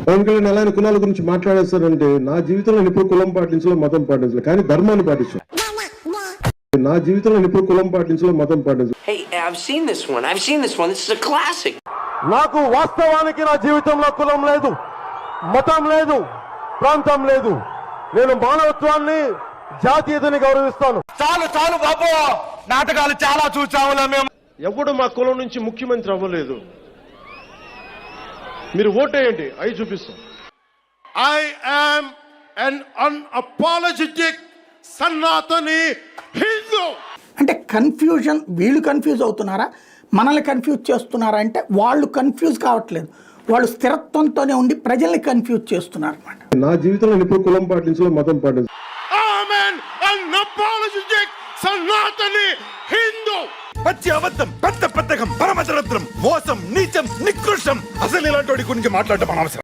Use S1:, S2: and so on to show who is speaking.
S1: పవన్ కళ్యాణ్ ఎలా కులాల గురించి మాట్లాడేస్తారంటే, నా జీవితంలో నేను ఎప్పుడు కులం పాటించలేదు, మతం పాటించలేదు, కానీ ధర్మాన్ని పాటించాను. నా జీవితంలో నేను ఎప్పుడు కులం పాటించలేదు, మతం పాటించలేదు.
S2: Hey, I've seen this one. This is a classic.
S3: నాకు వాస్తవానికి నా జీవితంలో కులం లేదు, మతం లేదు, ప్రాంతం లేదు. నేను మానవత్వాన్ని, జాతీయతని గౌరవిస్తాను.
S4: చాలు చాలు బాబు, నాటకాలు చాలా చూసాములా మేము.
S3: ఎవడు మా కులం నుంచి ముఖ్యమంత్రి అవ్వలేదు. మీరు ఓటేయండి, అవి చూపిస్తాం. I am un unapologetic Sanatani Hindu.
S5: అంటే కన్ఫ్యూజన్, వీళ్ళు కన్ఫ్యూజ్ అవుతున్నారా, మనల్ని కన్ఫ్యూజ్ చేస్తున్నారా అంటే వాళ్ళు కన్ఫ్యూజ్ కావట్లేదు, వాళ్ళు స్థిరత్వంతోనే ఉండి ప్రజల్ని కన్ఫ్యూజ్ చేస్తున్నారు అన్నమాట.
S1: నా జీవితంలో నేను ఎప్పుడు కులం పాటించలేదు, మతం పాటించలేదు.
S3: సనాతని హిందూ.
S4: పచ్చి అబద్ధం, పెద్ద పెద్దకం, పరమదరిద్రం, మోసం, నీచం, నికృష్టం. అసలు ఇలాంటి వాడి గురించి మాట్లాడటం అనవసరం.